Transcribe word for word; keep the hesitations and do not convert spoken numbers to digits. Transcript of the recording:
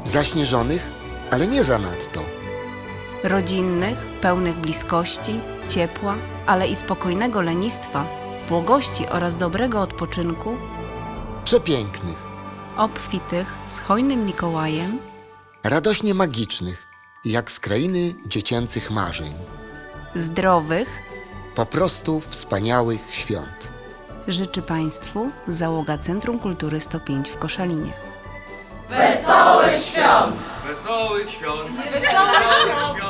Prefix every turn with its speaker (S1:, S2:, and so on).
S1: Zaśnieżonych, ale nie zanadto.
S2: Rodzinnych, pełnych bliskości, ciepła, ale i spokojnego lenistwa, błogości oraz dobrego odpoczynku,
S1: Przepięknych,
S2: obfitych z hojnym Mikołajem,
S1: radośnie magicznych, jak z krainy dziecięcych marzeń.
S2: zdrowych,
S1: Po prostu wspaniałych świąt.
S2: życzy Państwu załoga Centrum Kultury sto pięć w Koszalinie.
S3: Wesołych świąt!
S4: Wesołych świąt!
S3: Wesołych świąt!